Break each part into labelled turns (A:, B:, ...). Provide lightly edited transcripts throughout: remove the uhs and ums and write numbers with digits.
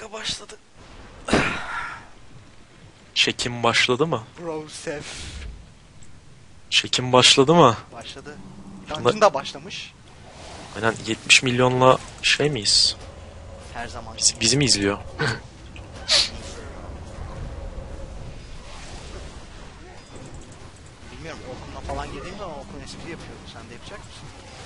A: Video başladı.
B: Çekim başladı mı?
A: Bro Sef.
B: Çekim başladı mı?
A: Başladı. Dungeon da başlamış.
B: Aynen 70 milyonla şey miyiz?
A: Her zaman.
B: Bizi mi izliyor?
A: Bilmiyorum, Orkun'la falan girdiğim zaman Orkun espri yapıyordu. Sen de yapacak mısın?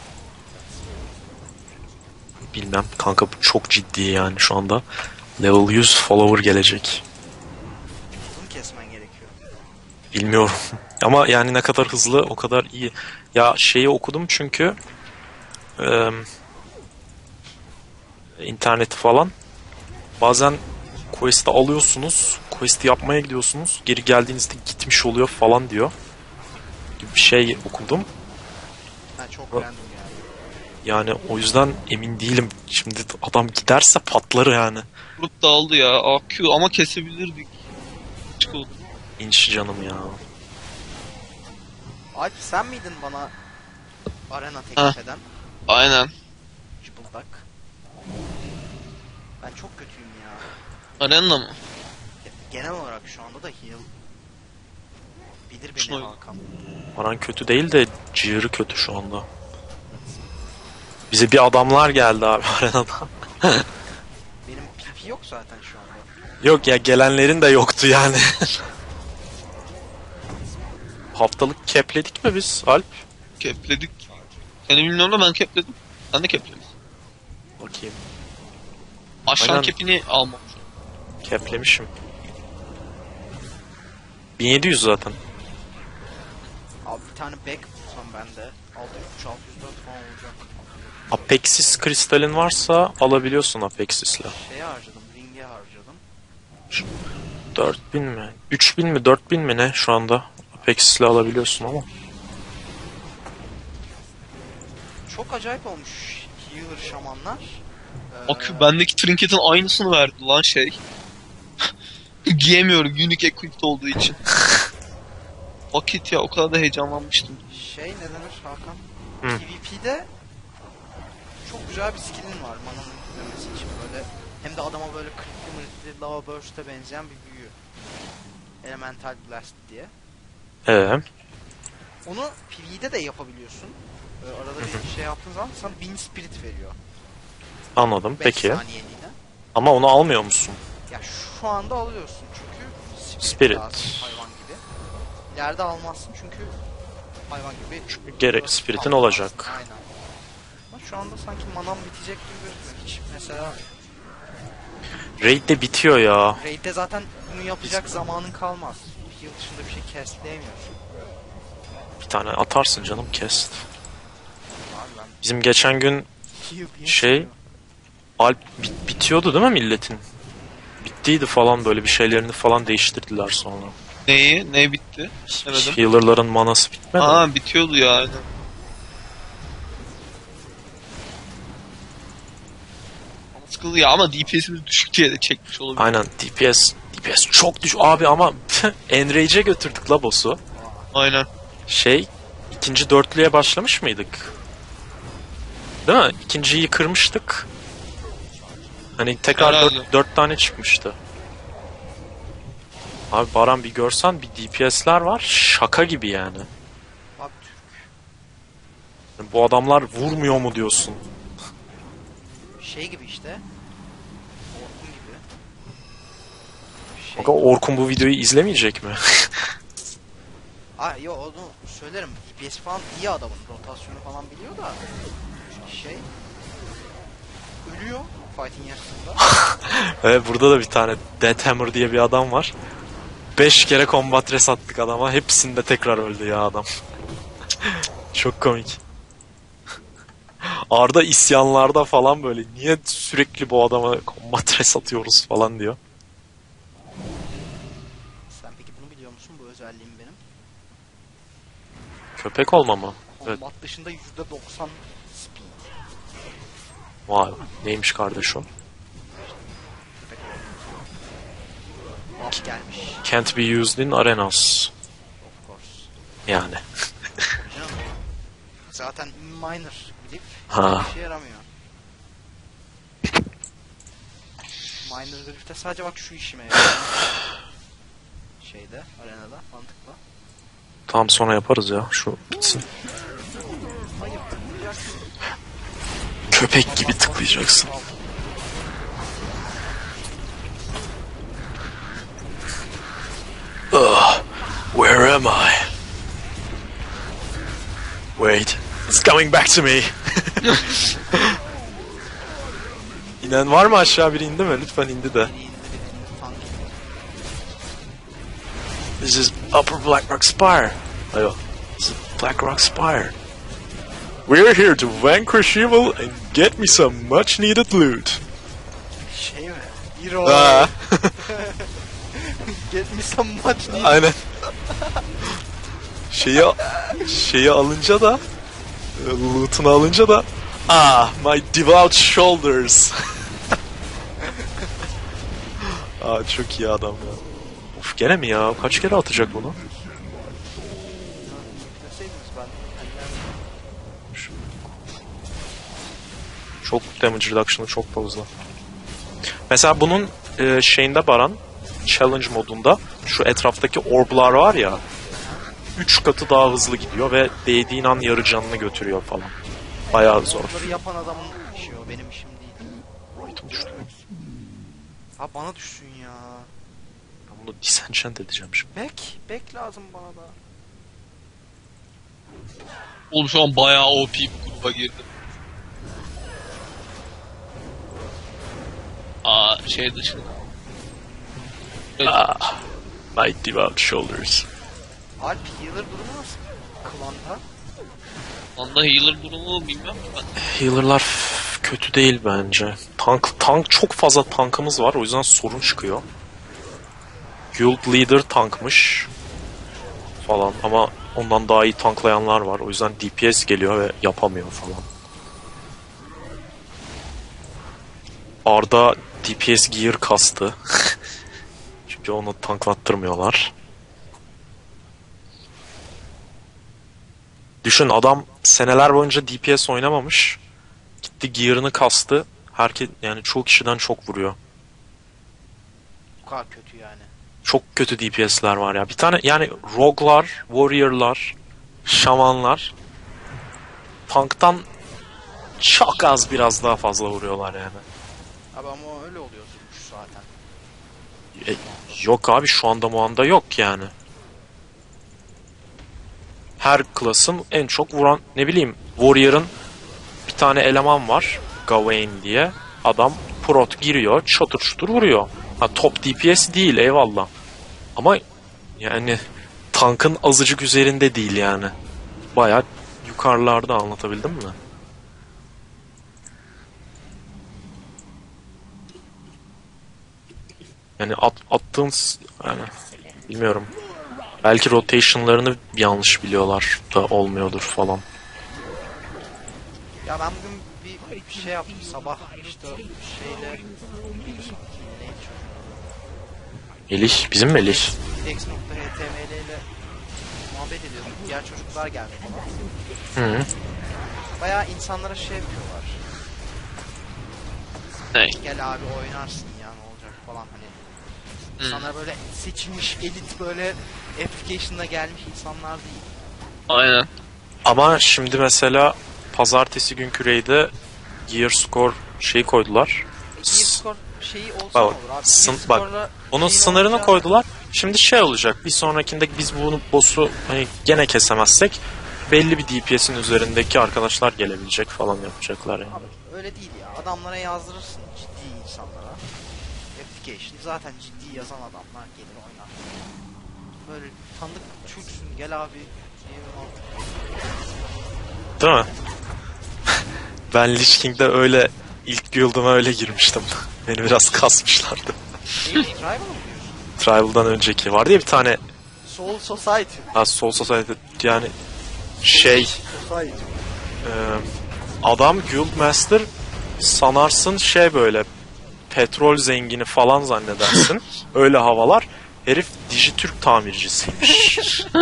B: Bilmem. Kanka bu çok ciddi yani şu anda. Level 100 follower gelecek.
A: Uzun kesmen gerekiyor.
B: Bilmiyorum. Ama yani ne kadar hızlı o kadar iyi. Ya şeyi okudum çünkü interneti falan. Bazen quest'i alıyorsunuz. Quest'i yapmaya gidiyorsunuz. Geri geldiğinizde gitmiş oluyor falan diyor. Gibi bir şey okudum.
A: Ha, çok random yani.
B: Yani o yüzden emin değilim. Şimdi adam giderse patlar yani.
C: Grup dağıldı ya. AQ ama kesebilirdik. Çıkalım.
B: İnç canım ya.
A: Alp, sen miydin bana arena
C: Ha.
A: teklif eden?
C: Aynen.
A: Cıbıldak. Ben çok kötüyüm ya.
C: Arena mı?
A: Genel olarak şu anda da heal. Bilir beni
C: Şuna-
A: Hakan.
B: Aran kötü değil de ciğeri kötü şu anda. Bize bir adamlar geldi abi arenada.
A: Benim PP yok zaten şu anda.
B: Yok ya gelenlerin de yoktu yani. Haftalık kepledik mi biz Alp?
C: Kepledik. Seni bilmiyorum da ben kepledim. Sen de kepledin.
B: Bakayım.
C: Aşağı
B: Aynen.
C: kepini almam.
B: Keplemişim. 1700 zaten.
A: Abi bir tane back bulsam ben de 604 falan olacak.
B: Apexis kristalin varsa alabiliyorsun Apexis'le.
A: Şeye harcadım, ring'e harcadım.
B: 4000 mi? 3000 mi? 4000 mi ne şu anda? Apexis'le alabiliyorsun ama.
A: Çok acayip olmuş healer şamanlar.
C: AQ bendeki trinketin aynısını verdi lan şey. Giyemiyorum unique equipped olduğu için. Vakit ya, o kadar da heyecanlanmıştım.
A: Şey, ne denir Hakan?
B: Hı.
A: PvP'de çok güzel bir skill'in var mananın gitmemesi için böyle. Hem de adama böyle critically lava burst'e benzeyen bir büyü. Elemental Blast diye. Onu PvE'de de yapabiliyorsun. Arada bir şey yaptığın zaman sana 1000 spirit veriyor.
B: Anladım.
A: 5
B: Peki.
A: saniyeliğine.
B: Ama onu almıyor musun?
A: Ya şu anda alıyorsun çünkü
B: Spirit.
A: lazım, hayvan gibi. İleride almazsın çünkü hayvan gibi.
B: Gerek spiritin
A: almazsın.
B: olacak.
A: Aynen. Ama şu anda sanki manam bitecek gibi gözüküyor. Hiç mesela
B: Raid de bitiyor ya.
A: raid'de zaten bunu yapacak zamanın kalmaz. Bir yıl dışında bir şey castleyemiyorsun.
B: Bir tane atarsın canım kes.
A: Abi ben
B: Bizim geçen gün
A: heal diye
B: Şey-
A: seviyorum.
B: Alp bitiyordu değil mi milletin? Bittiydi falan böyle bir şeylerini falan değiştirdiler sonra.
C: Neyi? Ne bitti? Demedim.
B: Healer'ların manası bitmedi mi?
C: Aa, bitiyordu ya aynen. Ama sıkıldı ya, ama DPS'imiz düşük diye de çekmiş olabilir.
B: Aynen DPS çok düş abi ama Enrage'e götürdük la boss'u.
C: Aynen.
B: İkinci dörtlüye başlamış mıydık? Değil mi? İkinciyi kırmıştık. Hani tekrar
C: Herhalde.
B: 4 tane çıkmıştı. Abi Baran bir görsen bir DPS'ler var şaka gibi yani.
A: Bak
B: Bu adamlar vurmuyor mu diyorsun?
A: şey gibi işte. Orkun gibi. Şey.
B: Kanka Orkun bu videoyu izlemeyecek mi?
A: Yo, onu söylerim. DPS falan iyi adamın. Rotasyonu falan biliyor da. Şey. Ölüyor fighting yarısında.
B: Evet burada da bir tane Deathhammer diye bir adam var. 5 kere combat res attık adama. Hepsinde tekrar öldü ya adam. Çok komik. Arda isyanlarda falan böyle niye sürekli bu adama combat res atıyoruz falan diyor.
A: Sen peki bunu biliyor musun, bu özelliğim benim?
B: Köpek olma mı? Evet.
A: Combat dışında %90 speed.
B: Vay neymiş kardeş o?
A: Köpek buff gelmiş.
B: Can't be used in arenas.
A: Of course.
B: Yani.
A: Canım. Zaten minor bilip
B: Ha.
A: bir şey yaramıyor. Minor Griff'te sadece bak şu işime yarıyor. Şeyde, arenada, mantıklı.
B: Tamam sonra yaparız ya. Şu bitsin.
A: Hayır, tıklayacaksın.
B: Köpek gibi tıklayacaksın. Ugh, where am I? Wait, it's coming back to me. İnen var mı aşağı, biri indi mi? Lütfen indi de.
A: Biri indi, tank.
B: This is Upper Blackrock Spire. Ayo, this is Blackrock Spire. We're here to vanquish evil and get me some much needed loot.
A: Şey mi? Hero.
B: Aa.
A: Get me some much needed.
B: Aynen. şeyi alınca da loot'unu alınca da my devout shoulders. Çok iyi adam ya. Of, gene mi ya? Kaç kere atacak bunu?
A: Deseydiniz ben.
B: Çok damage reduction'ı çok fazla. Mesela bunun şeyinde Baran, challenge modunda şu etraftaki orblar var ya, 3 katı daha hızlı gidiyor ve değdiğin an yarı canını götürüyor falan. Bayağı zor.
A: Bunları yapan adamın işi o, benim işim değil. Ha bana düşsün ya.
B: Ben bunu disenchant edeceğim şimdi.
A: Back lazım bana da.
C: Oğlum şu an bayağı OP bir gruba girdim. Şey dışında. Evet.
B: My devout shoulders.
A: Alp healer durumu nasıl? Klanda.
C: Anda healer durumu bilmiyorum ki ben.
B: Healer'lar kötü değil bence. Tank çok fazla tankımız var, o yüzden sorun çıkıyor. Guild leader tankmış falan ama ondan daha iyi tanklayanlar var. O yüzden DPS geliyor ve yapamıyor falan. Arda DPS gear kastı. Çünkü onu tanklattırmıyorlar. Düşün, adam seneler boyunca DPS oynamamış. Gitti gear'ını kastı. Herkes, yani çoğu kişiden çok vuruyor.
A: Bu kadar kötü yani.
B: Çok kötü DPS'ler var ya. Bir tane yani rogue'lar, warrior'lar, şamanlar tanktan çok az, biraz daha fazla vuruyorlar yani.
A: Abi ama öyle oluyordur zaten.
B: Yok abi, şu anda yok yani. Her klasın en çok vuran, ne bileyim, warrior'ın bir tane eleman var, Gawain diye. Adam prot giriyor, çatır çutur vuruyor. Ha, top DPS değil, eyvallah. Ama yani tankın azıcık üzerinde değil yani. Bayağı yukarılarda, anlatabildim mi? Yani attığın yani bilmiyorum. Belki rotation'larını yanlış biliyorlar da olmuyordur falan.
A: Ya ben bugün bir şey yaptım sabah işte şeyle neydi
B: Melih, bizim Melih.
A: X.html ile muhabbet ediyorduk. Diğer çocuklar geldi.
B: Hı.
A: Bayağı insanlara şey yapıyorlar.
C: Ne?
A: Gel abi oynarsın ya, ne olacak falan hani. İnsanlar böyle seçilmiş elit, böyle application'da gelmiş insanlar değil.
C: Aynen.
B: Ama şimdi mesela pazartesi günkü raid'e gear score şeyi koydular.
A: Gear score şeyi olsa
B: Bak,
A: ne olur abi?
B: bak,
A: Gear score'la
B: onun
A: şeyin
B: sınırını
A: olacağı-
B: koydular. Şimdi şey olacak. Bir sonrakinde biz bunu boss'u hani gene kesemezsek belli bir DPS'in üzerindeki arkadaşlar gelebilecek falan yapacaklar yani.
A: Abi öyle değil ya. Adamlara yazdırırsın, ciddi insanlara. Application zaten ciddi yazan adamlar gelir oynar. Böyle tanıdık Türksün, gel abi.
B: Değil mi? Ben Lich King'de öyle ilk guild'ıma öyle girmiştim. Beni biraz kasmışlardı.
A: Tribal mı diyorsun?
B: Tribal'dan önceki vardı ya bir tane
A: Soul Society.
B: Soul Society, yani şey
A: Society.
B: adam Guildmaster sanarsın, şey böyle petrol zengini falan zannedersin. Öyle havalar. Herif Dijitürk tamircisiymiş.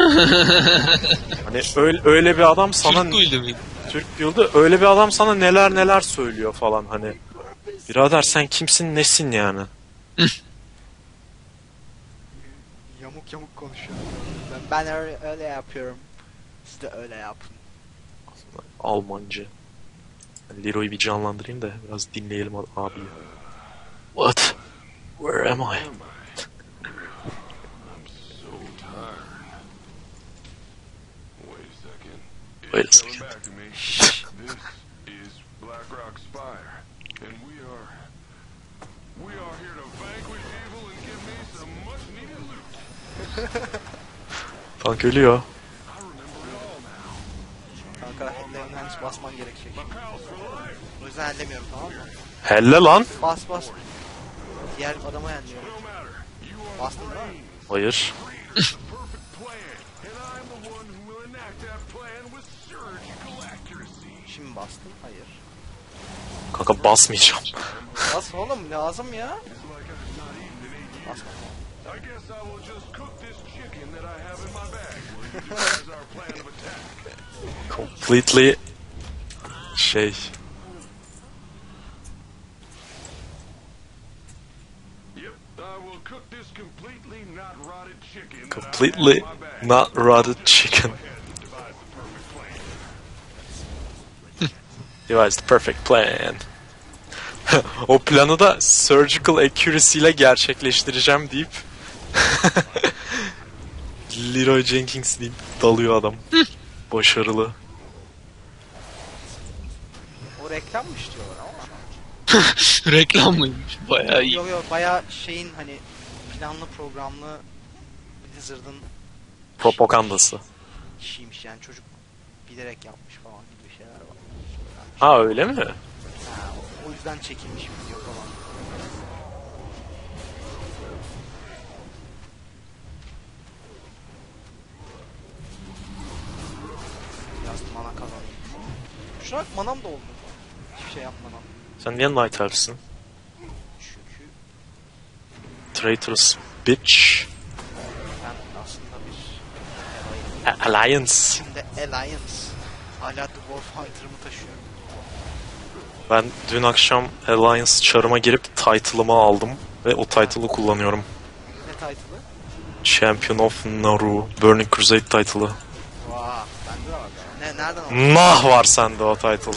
B: Hani öyle bir adam sana,
C: Türk Guild'i miydi?
B: Türk Guild'ı, öyle bir adam sana neler neler söylüyor falan hani. Birader sen kimsin, nesin yani?
A: Yamuk yamuk konuşuyor. Ben öyle yapıyorum. Siz de öyle yapın.
B: Almanca. Leroy'u bir canlandırayım da biraz dinleyelim abi. What? Where am I? Wait a second.
D: Back to me. This is Black Rock Spire, and we are here to vanquish evil and give me some much needed loot.
B: Tank ölüyor.
D: I remember it all now.
A: Kanka Leon'dan basman gerekecek.
D: Pals for life,
A: O yüzden ellemiyorum, tamam mı?
B: Helle lan.
A: Bas bas. Diğer adama yeniliyorum.
D: no matter. You are
A: Bastın değil mi?
B: Hayır.
D: the perfect plan, and I'm the one who will enact that plan with surgical accuracy.
A: Şimdi bastım. Hayır.
B: Kanka basmayacağım.
A: Bas oğlum, lazım ya.
D: It's like I've not eaten in 8 years.
A: Basma.
D: I guess I will just cook this chicken that I have in my bag while you devise our plan of attack.
B: Completely şey.
D: Yep, I will cook this completely not rotted chicken that I
B: Completely
D: have in my bag.
B: not rotted chicken.
D: Go ahead and devise the perfect plan.
B: Devise the perfect plan. O planı da surgical accuracy ile gerçekleştireceğim deyip Leroy Jenkins deyip dalıyor adam. Başarılı.
A: O reklammış diyorlar ama.
C: Reklam mıymış? Bayağı iyi.
A: Yok yok, bayağı şeyin hani planlı programlı Blizzard'ın
B: Propagandası.
A: işiymiş yani, çocuk bilerek yapmış falan gibi şeyler var.
B: Ha öyle mi?
A: Ha, o yüzden çekilmiş video falan. Biraz mana kazandım. Şuna bak, manam da oldu. Hiçbir şey yapmadan.
B: Sen niye Night Elf'sin?
A: Çünkü
B: Traitorous bitch.
A: ben aslında bir
B: Alliance.
A: şimdi Alliance. Hala The Warfighter'ımı taşıyorum.
B: Ben dün akşam Alliance çarıma girip title'ımı aldım ve o title'ı kullanıyorum.
A: Ne title'ı?
B: Champion of Naru, Burning Crusade title'ı.
A: Vaa, bende de var. Nereden aldın?
B: Nah var sende o title.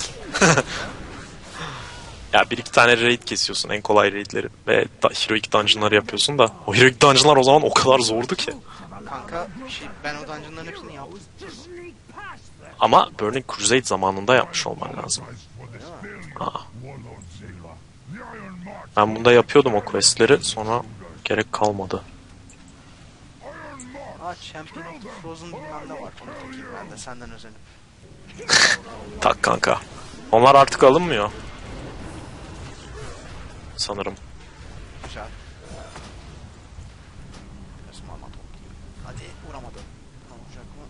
B: Ya bir iki tane raid kesiyorsun, en kolay raidleri ve Heroic Dungeon'ları yapıyorsun da o Heroic Dungeon'lar o zaman o kadar zordu ki.
A: Kanka ben o dungeonların hepsini yaptım.
B: Ama Burning Crusade zamanında yapmış olman lazım. Aa. Ben bunda yapıyordum o questleri, sonra gerek kalmadı.
A: Aa, Champion of the Frozen bilmem ne var. Onu takayım ben de senden özenip.
B: Tak kanka. Onlar artık alınmıyor. Sanırım.
A: Güzel. Biraz mana toplayayım. Hadi, vuramadı. Ne olacak mı?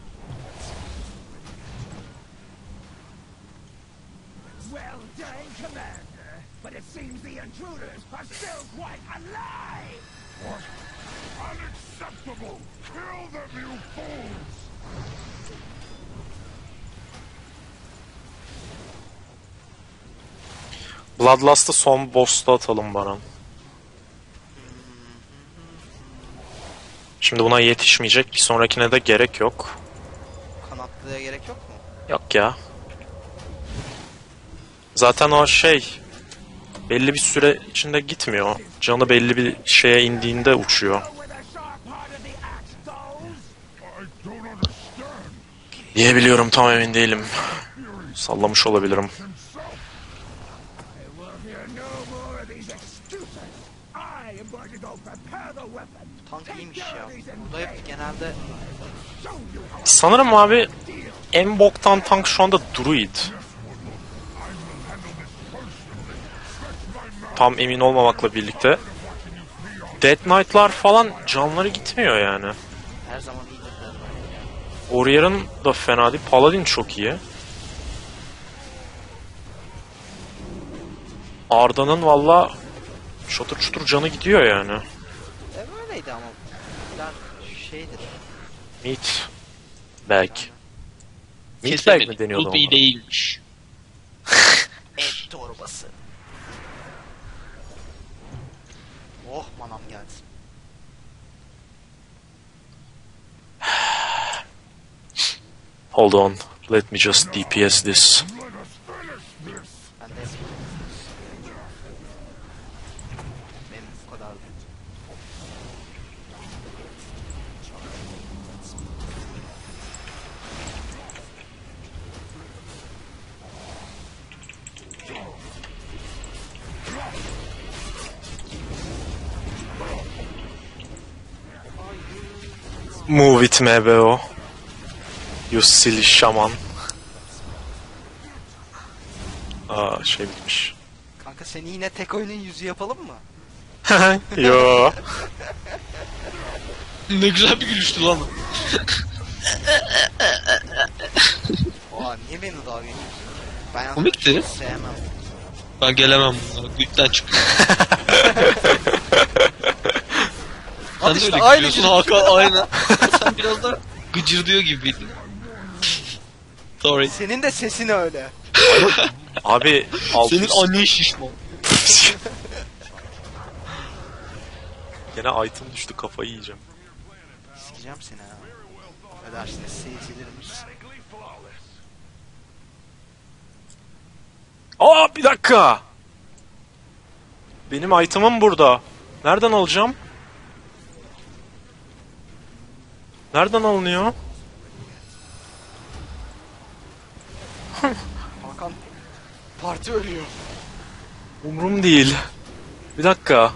E: Well done, Commander. But it seems the intruders are still quite alive.
D: What? Unacceptable! Kill them, you fools!
B: Bloodlust'ı son boss'ta atalım Baran. Şimdi buna yetişmeyecek. Bir sonrakine de gerek yok.
A: Kanatlıya gerek yok mu?
B: Yok ya. Zaten o şey belli bir süre içinde gitmiyor. Canı belli bir şeye indiğinde uçuyor.
E: Where the sharp part of the axe goes?
D: I don't understand.
B: Diyebiliyorum, tam emin değilim. Sallamış olabilirim.
E: I will hear no more of these excuses. I am going to go prepare the weapon.
A: Tank
E: Take
A: iyiymiş
E: care
A: ya.
E: of these
A: Burada hep genelde
E: show you how
B: Sanırım abi en boktan tank şu anda Druid. Tam emin olmamakla birlikte. Dead Knight'lar falan canları gitmiyor yani.
A: her zaman iyidir.
B: Warrior'ın da fena değil. Paladin çok iyi. Arda'nın valla çatır çutur canı gidiyor yani.
A: Böyleydi ama. Bunlar şeydir.
B: Meat bag. Meat bag
C: Kesemedik.
B: mi deniyordu
C: Ruby
B: ona?
C: değilmiş.
A: Et torbası. Oh manam geldi.
B: Hold on. Let me just DPS this.
A: Ben de benim bu kadar.
B: Move it MBO. You silly shaman. Aa şey bitmiş.
A: Kanka seni yine tek oyunun yüzü yapalım mı?
B: Yo.
C: Ne güzel bir gülüştü lan.
A: Oha niye beni dalga geçiyorsun? Ben yalnız
C: Komikti.
A: çok sevmem.
C: Ben gelemem bunlara. Güçten çıkıyor. Sen
A: Hadi
C: de
A: işte
C: öyle
A: aynı
C: gülüyorsun
A: gülüş.
C: Hakan aynen. Sen biraz da gıcırdıyor gibiydin. Sorry.
A: Senin de sesin öyle.
B: Abi
C: Senin
B: 600.
C: annen şişman.
B: Gene item düştü, kafayı yiyeceğim.
A: Sikeceğim seni ha. Ödersiniz seyircilerimiz.
B: Aa bir dakika. Benim item'ım burada. Nereden alacağım? Nereden alınıyor?
A: Hakan parti ölüyor.
B: Umrum değil. Bir dakika.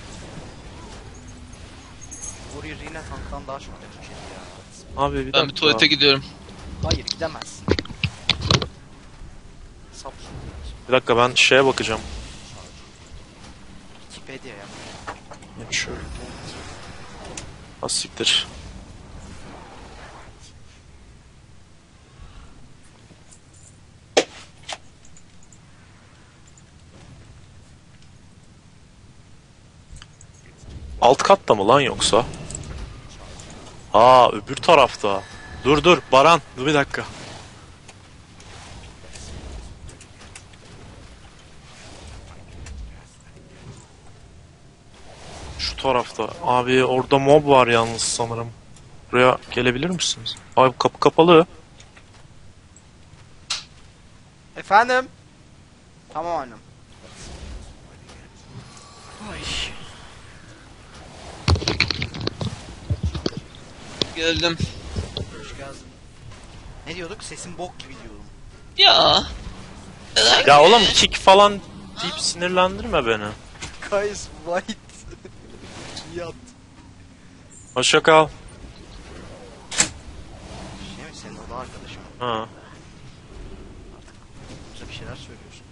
A: Warrior yine tanktan daha çok damage yedi ya.
B: Abi bir dakika.
C: Ben bir tuvalete gidiyorum.
A: Hayır gidemezsin. Sap.
B: Bir dakika ben şeye bakacağım.
A: Wikipedia ya.
B: Şöyle. Az siktir. Alt katta mı lan yoksa? Aa öbür tarafta. Dur Baran, dur bir dakika. Şu tarafta. Abi orada mob var yalnız sanırım. Buraya gelebilir misiniz? Abi kapı kapalı.
A: Efendim? Tamam annem.
C: Geldim.
A: Hoş geldin. Ne diyorduk? Sesin bok gibi diyordum.
C: Ya.
B: Ya oğlum kick falan deyip sinirlendirme beni.
A: Guys white. Yat.
B: Hoşça kal.
A: Şey mi senin oda arkadaşım?
B: Ha.
A: Bize bir şeyler söylüyorsunuz.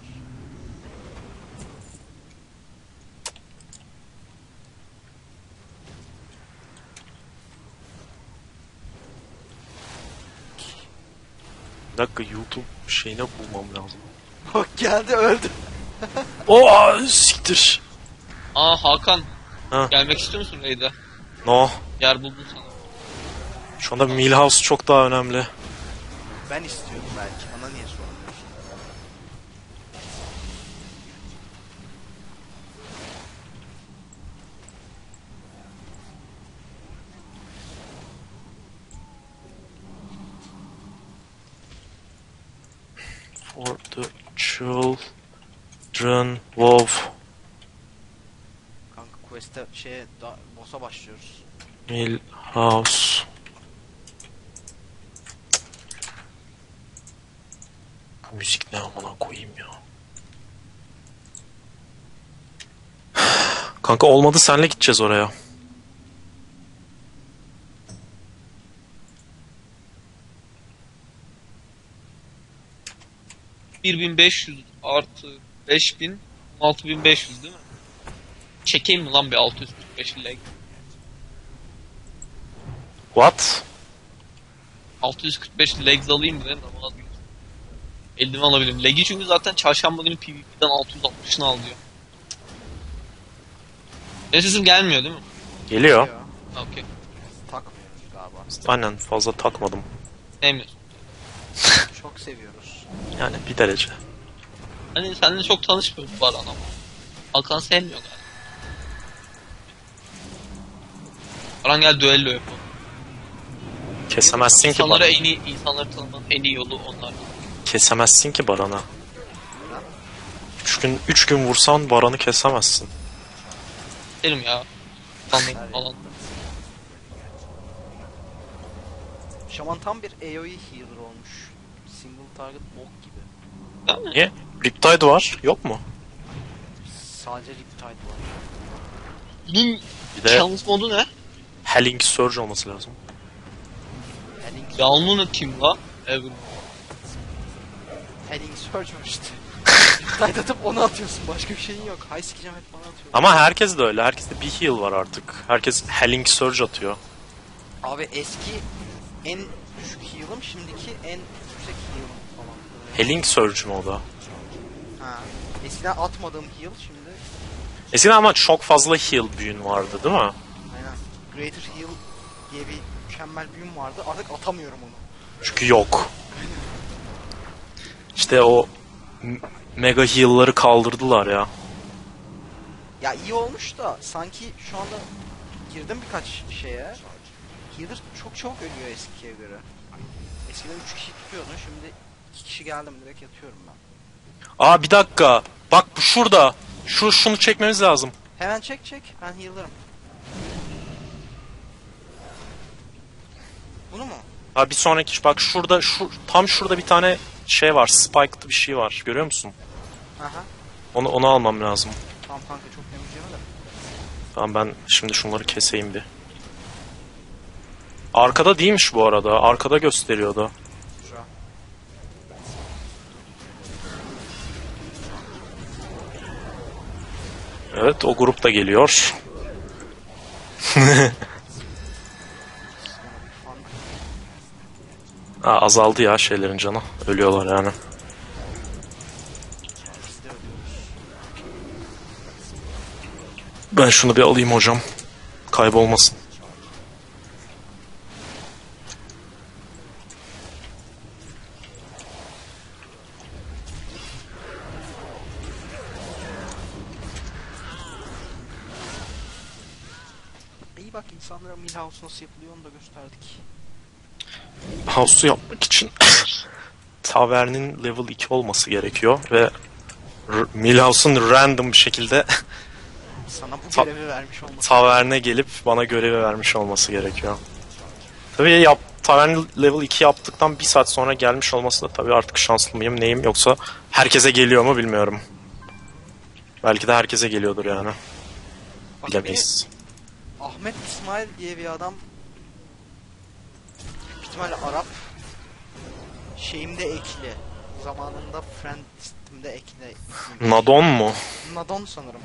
B: Bir dakika YouTube şeyine bulmam lazım.
A: Bak geldi öldü.
B: Oo siktir.
C: Aa Hakan.
B: Ha.
C: Gelmek istiyor musun Raid'e?
B: No.
C: Yer buldum sana.
B: Şu anda Milhouse çok daha önemli.
A: Ben istiyorum belki. Bana niye sormuyorsun?
B: For the children of
A: Kanka quest'e boss'a başlıyoruz.
B: Milhouse. Bu müzik ne amına koyayım ya. Kanka olmadı, senle gideceğiz oraya.
C: ...1500 artı 5000... ...6500 değil mi? Çekeyim mi lan bir 645 leg?
B: What?
C: 645 legs alayım mı dedim ama vazgeçtim. Eldiven alabilirim. Leg'i çünkü zaten çarşamba günü PvP'den 660'ını alıyor. Benim sesim gelmiyor değil mi?
B: Geliyor.
C: Ha, okey.
A: Takmıyoruz galiba.
B: Aynen, fazla takmadım.
C: Sevmiyorsun.
A: Çok seviyoruz.
B: Yani bir derece.
C: Hani seninle çok tanışmıyoruz bu arada ama. Hakan sevmiyor galiba. Baran gel düello yapalım.
B: Kesemezsin ki
C: İnsanları
B: Baran'ı.
C: en iyi, insanları tanımanın en iyi yolu onlar.
B: Kesemezsin ki Baran'ı. 3 gün vursan Baran'ı kesemezsin.
C: Derim ya. Sanırım falan.
A: Şaman tam bir AoE healer olmuş. Single target bok gibi.
C: Değil mi?
B: Niye? Riptide var. Yok mu?
A: Sadece Riptide var.
C: Bunun
B: Bir de
C: yalnız modu ne?
B: Helling Surge olması lazım.
A: Heading,
C: Yalnız kim la? Evet.
A: heading Surge var işte. Riptide atıp onu atıyorsun. Başka bir şeyin yok. High sikeceğim hep bana atıyor.
B: Ama herkes de öyle. Herkeste bir heal var artık. Herkes Helling Surge atıyor.
A: Abi eski en düşük heal'ım, şimdiki en yüksek heal'ım falan.
B: Helling Surge mu o da?
A: Ha. Eskiden atmadığım heal şimdi.
B: Eskiden ama çok fazla heal büyün vardı değil mi?
A: Aynen. Greater Heal diye bir mükemmel büyüm vardı. Artık atamıyorum onu.
B: Çünkü yok. İşte o mega heal'ları kaldırdılar ya.
A: Ya iyi olmuş da sanki şu anda girdim birkaç şeye. Healer çok çabuk ölüyor eskiye göre. Eskiden 3 kişi tutuyordun, şimdi 2 kişi geldim direkt yatıyorum ben.
B: Aa bir dakika. Bak bu şurada. Şunu çekmemiz lazım.
A: Hemen çek ben healer'ım. Bunu mu?
B: Ha bir sonraki bak şurada tam şurada bir tane şey var. Spike'lı bir şey var. Görüyor musun?
A: Aha.
B: Onu almam lazım.
A: Tamam kanka, çok damage yeme de.
B: Tamam ben şimdi şunları keseyim bir. Arkada değilmiş bu arada. Arkada gösteriyordu.
A: Güzel.
B: Evet o grup da geliyor.
A: Fan.
B: Ha, azaldı ya şeylerin canı. Ölüyorlar yani.
A: Biz de ölüyoruz.
B: Ben şunu bir alayım hocam. Kaybolmasın.
A: İyi bak, insanlara Milhouse nasıl yapılıyor onu da gösterdik.
B: House'u yapmak için Tavern'in level 2 olması gerekiyor ve Milhouse'un random bir şekilde
A: Sana bu
B: Ta-
A: görevi vermiş olması.
B: Tavern'e gelip bana görevi vermiş olması gerekiyor. Tabii Tavern level 2 yaptıktan bir saat sonra gelmiş olması da tabii artık şanslı mıyım neyim, yoksa herkese geliyor mu bilmiyorum. Belki de herkese geliyordur yani.
A: Bak,
B: Bilemeyiz.
A: Ahmet İsmail diye bir adam, büyük ihtimalle Arap, şeyimde ekli. Zamanında friend listemde ekli.
B: Nadon mu?
A: Nadon sanırım.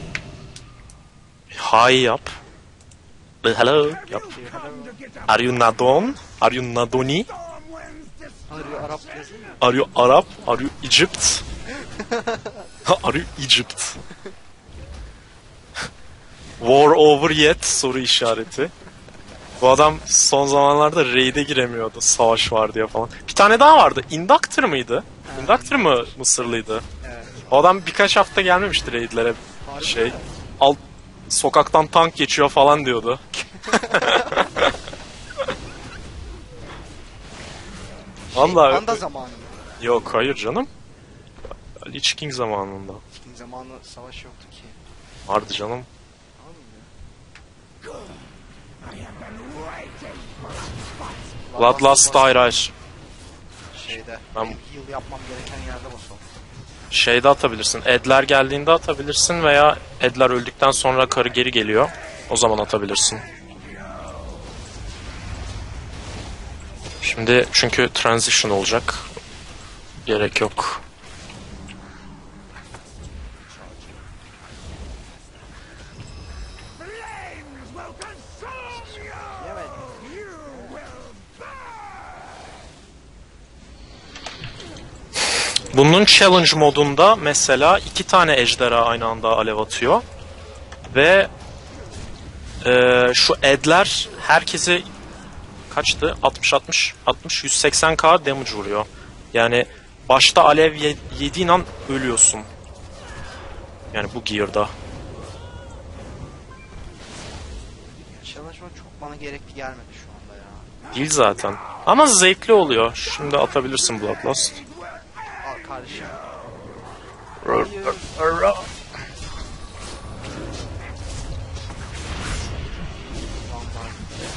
B: Hi yap. Hello yap. Are you Nadon? Are you Nadoni?
A: Arıyor Arap yazıyor.
B: Are you Arab? Are you Egypt? Are you Egypt? War over yet? Soru işareti. Bu adam son zamanlarda raid'e giremiyordu. Savaş var diye falan. Bir tane daha vardı. Inductor mıydı? Inductor mı Mısırlıydı?
A: Evet.
B: O adam birkaç hafta gelmemişti raid'lere. Şey, alt sokaktan tank geçiyor falan diyordu. Vallahi
A: Panda zamanı.
B: yok hayır canım. Lich King zamanında.
A: King zamanı savaş yoktu ki.
B: Vardı canım. Bloodlust hayır hayır.
A: Şeyde.
B: Ben-
A: Heal yapmam gereken yerde basalım.
B: Şeyde atabilirsin. Edler geldiğinde atabilirsin veya Edler öldükten sonra karı geri geliyor. O zaman atabilirsin. Şimdi çünkü transition olacak. Gerek yok.
E: Flames will consume you!
A: Yemedim.
E: You will burn!
B: Bunun challenge modunda mesela 2 tane ejderha aynı anda alev atıyor. Ve şu edler herkese kaçtı? 60 180k damage vuruyor. Yani başta alev yediğin an ölüyorsun. Yani bu gear'da.
A: Çalışma çok bana gerekli gelmedi şu anda ya.
B: Değil zaten. Ama zevkli oluyor. Şimdi atabilirsin Bloodlust.
A: Al kardeşim. Vallahi.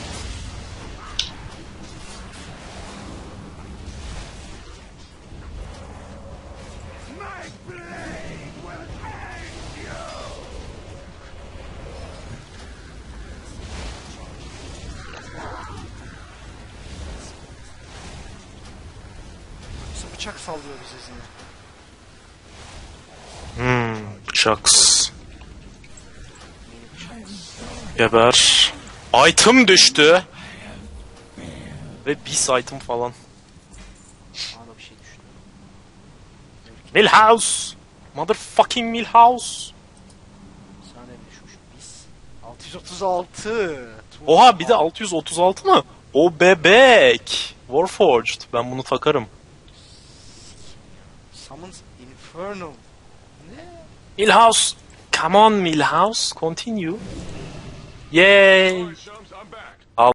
E: My blade will end you!
A: Nasıl bıçak sallıyor bize zine?
B: Bıçaks. Geber. Item düştü. Ve bis item falan.
A: Bana da bir şey düştü.
B: Milhouse. Motherfucking Milhouse.
A: Sana ne düşmüş? Biz. 636.
B: Oha bir de 636 mı? O bebek. Warforged. Ben bunu takarım.
A: Summons Infernal. Ne?
B: Milhouse. Come on Milhouse. Continue. Yay.
D: Alright, chums, I'm back.